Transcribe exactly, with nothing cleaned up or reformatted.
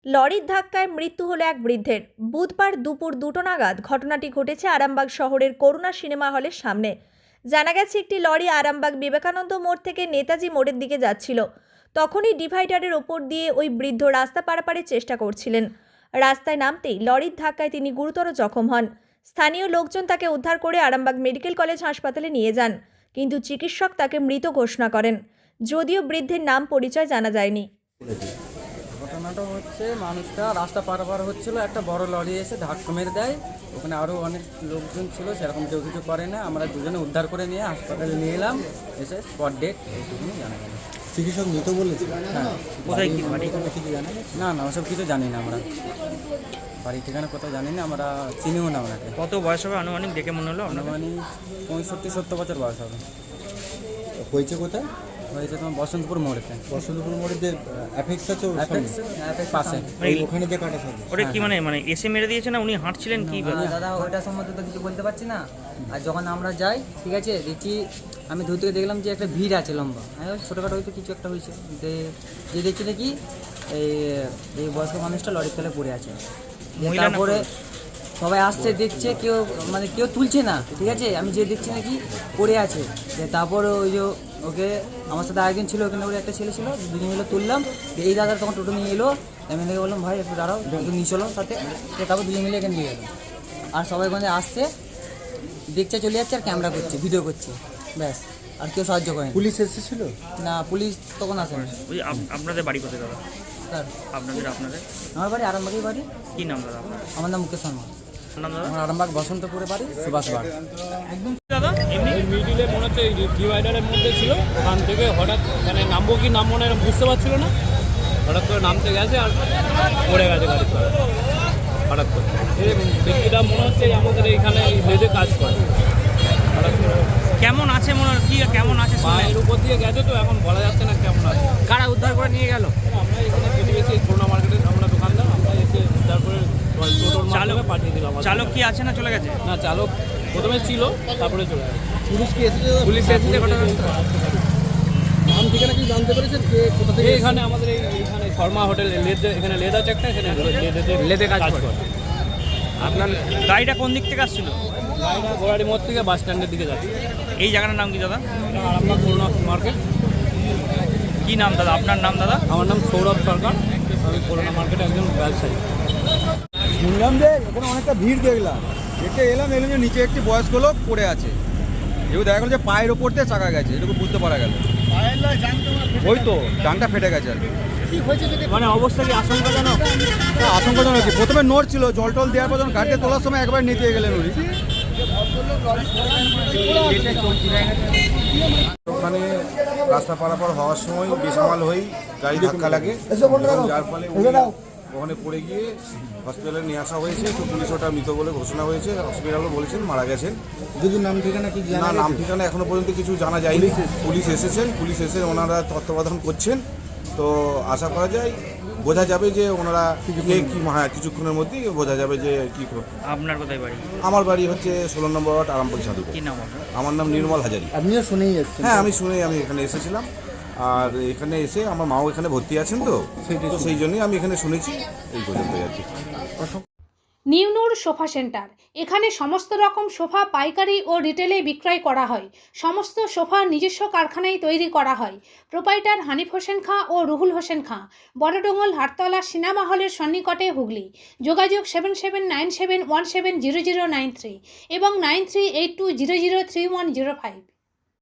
লরির ধাক্কায় মৃত্যু হলো এক বৃদ্ধের। বুধবার দুপুর দুটো নাগাদ ঘটনাটি ঘটেছে আরামবাগ শহরের করুণা সিনেমা হলের সামনে। জানা গেছে, একটি লরি আরামবাগ বিবেকানন্দ মোড় থেকে নেতাজি মোড়ের দিকে যাচ্ছিল। তখনই ডিভাইডারের ওপর দিয়ে ওই বৃদ্ধ রাস্তা পারাপারের চেষ্টা করছিলেন। রাস্তায় নামতেই লরির ধাক্কায় তিনি গুরুতর জখম হন। স্থানীয় লোকজন তাকে উদ্ধার করে আরামবাগ মেডিকেল কলেজ হাসপাতালে নিয়ে যান, কিন্তু চিকিৎসক তাকে মৃত ঘোষণা করেন। যদিও বৃদ্ধের নাম পরিচয় জানা যায়নি। ঘটনাটা হচ্ছে, মানুষটা রাস্তা পারাপার হচ্ছিল, একটা বড় লরি এসে ধাক্কা মেরে দেয়। ওখানে আরও অনেক লোকজন ছিল, সেরকম কেউ কিছু করে না। আমরা দুজনে উদ্ধার করে নিয়ে হাসপাতালে নিয়ে এলাম, এসে স্পট ডেট এইটুকুনি জানা গেল। চিকিৎসক মৃত বলেছে? হ্যাঁ। কোথায় কি বাড়ি কিছু জানা গেছে? না না, ওসব কিছু জানি না আমরা। বাড়ি ঠিকানা কোথাও জানি না, আমরা চিনিও না ওনাকে। কত বয়স হবে আনুমানিক দেখে মনে হলো? আনুমানিক পঁয়ষট্টি সত্তর বছর বয়স হবে। হয়েছে কোথায়? হয়েছে তোমার বসন্তপুর মোড়েতে। বসন্তপুর মোড়ে যে অ্যাপেক্স আছে ওর সামনে? অ্যাপেক্স পাশে। ওই ওখানে যে কাটা থাকে। ওটা কি মানে মানে এসে মেরে দিয়েছে না উনি হাঁটছিলেন কি? না, দাদা ওইটা সম্বন্ধে তো কিছু বলতে পারছি না। আর যখন আমরা যাই, ঠিক আছে, দেখি আমি দূর থেকে দেখলাম যে একটা ভিড় আছে লম্বা। আমি ভাবছি ছোটোখাটো হয়তো কিছু একটা হয়েছে। যে দেখছি নাকি এই এই বয়স্ক মানুষটা লরির তলে পড়ে আছে। মহিলা না তারপরে পুরুষ? সবাই আসছে, দেখছে, কেউ মানে কেউ তুলছে না, ঠিক আছে। আমি যে দেখছি নাকি পড়ে আছে। যে তারপর ওই যে ওকে আমার সাথে আরেকজন ছিল, ওখানে ওর একটা ছেলে ছিল, দুজন মিলে তুললাম। এই দাদা তখন টোটো নিয়ে এলো, আমি থেকে বললাম ভাই একটু দাঁড়াও, একটু নিয়ে চলো সাথে। তারপর দুজন মিলে এখানে নিয়ে গেলাম। আর সবাই ওখানে আসছে, দেখছে, চলে যাচ্ছে, আর ক্যামেরা করছে, ভিডিও করছে, ব্যাস। আর কেউ সাহায্য করেনি। পুলিশ এসেছিল? না, পুলিশ তখন আসেনি। ওই যে আপ- আপনাদের বাড়ি কোথায় দাদা? স্যার আপনাদের আপনাদের আমার বাড়ি আরামবাগের বাড়ি। কি নাম দাদা আপনার? আমার নাম মুকেশ শর্মা। আপনার নাম দাদা? আমার আরামবাগ বসন্তপুরে বাড়ি, সুভাষ বাড়ি। দাদা এমনি এই মিডিলে মনে হচ্ছে এই ডিভাইডারের মধ্যে ছিল, ওখান থেকে হঠাৎ মানে নামবো কি নামবো না এরকম বুঝতে পারছিল না, হঠাৎ করে নামতে গেছে আর পড়ে গেছে গাড়ি করে হঠাৎ করে। এই ব্যক্তিটা মনে হচ্ছে এই আমাদের এইখানে লেদে কাজ করে। হঠাৎ করে কেমন আছে মনে হয়? কি কেমন আছে শুনলেন? পায়ের উপর দিয়ে গেছে, তো এখন বলা যাচ্ছে না কেমন আছে। কারা উদ্ধার করে নিয়ে গেল? আমরা এখানে প্রতিবেশী করোনা মার্কেটে আমরা দোকানদার, আমরা এসে উদ্ধার করে টোটোর মাধ্যমে পাঠিয়ে দিলাম। চালক কি আছে না চলে গেছে? না, চালক প্রথমে ছিল, তারপরে চলে গেছে। পুলিশ কি এসেছে? পুলিশ এসেছে ঘটনাস্থলে। নাম ঠিকানা কি জানতে পেরেছেন কে কোথা থেকে? এখানে আমাদের এই এইখানে শর্মা হোটেল লেদ, এখানে লেদ আছে একটা, এখানে লেদেতে লেদে কাজ করে। আপনার গাড়িটা কোন দিক থেকে আসছিল? গাড়িটা গোড়ারি মোড় থেকে বাস স্ট্যান্ডের দিকে যাচ্ছে। এই জায়গাটার নাম কি দাদা? এটা আরামবাগ করোনা মার্কেট। কি নাম দাদা? আপনার নাম দাদা? আমার নাম সৌরভ সরকার, আমি করোনা মার্কেটে একজন ব্যবসায়ী। শুনলাম যে এখানে অনেকটা ভিড় দেখলাম, দেখে এলাম এলাম যে নিচে একটি বয়স্ক লোক পড়ে আছে। যেহেতু দেখা গেল যে পায়ের ওপর দিয়ে চাকা গেছে, এটুকু বুঝতে পারা গেল। ওই তো ডানটা ফেটে গেছে আর কি। মানে অবস্থা কি আশঙ্কাজনক? তা আশঙ্কাজনক কি, প্রথমে নোট ছিল, জল টল দেওয়ার পর যখন গাড়িতে তোলার সময় একবার নিতে গেলেন উনি। ওখানে রাস্তা পারাপার হওয়ার সময় বেসামাল হয়েই গাড়ি ধাক্কা লাগে, এবং যার ফলে উনি ওখানে পড়ে গিয়ে হসপিটালে নিয়ে আসা হয়েছে। তো পুলিশ ওটা মৃত বলে ঘোষণা হয়েছে, হসপিটালও বলেছেন মারা গেছেন। যদি নাম ঠিকানা কি না, জানা নাম গেছে? ঠিকানা এখনো পর্যন্ত কিছু জানা যায়নি। পুলিশ এসেছেন, পুলিশ এসে ওনারা তত্ত্বাবধান করছেন। তো আশা করা যায় বোঝা যাবে যে ওনারা কে কি, হ্যাঁ কিছুক্ষণের মধ্যেই বোঝা যাবে যে কী করবে। আপনার কোথায় বাড়ি? আমার বাড়ি হচ্ছে ষোলো নম্বর ওয়ার্ড আরামবাগ সাধুপুর। কি নাম আপনার? আমার নাম নির্মল হাজারি। আপনিও শুনেই এসছেন? হ্যাঁ, আমি শুনে আমি এখানে এসেছিলাম। আর এখানে এসে আমার মাও এখানে ভর্তি আছেন, তো তো সেই জন্যই আমি এখানে শুনেছি, এই পর্যন্ত আর কি। নিউনুর সোফা সেন্টার, এখানে সমস্ত রকম সোফা পাইকারি ও রিটেলে বিক্রয় করা হয়। সমস্ত সোফা নিজস্ব কারখানায় তৈরি করা হয়। প্রোপাইটার হানিফ হোসেন খাঁ ও রুহুল হোসেন খাঁ, বড়ডোঙ্গল হাটতলা সিনেমা হলের সন্নিকটে, হুগলি। যোগাযোগ seven seven nine seven one seven zero zero nine three এবং nine three eight two zero zero three one zero five.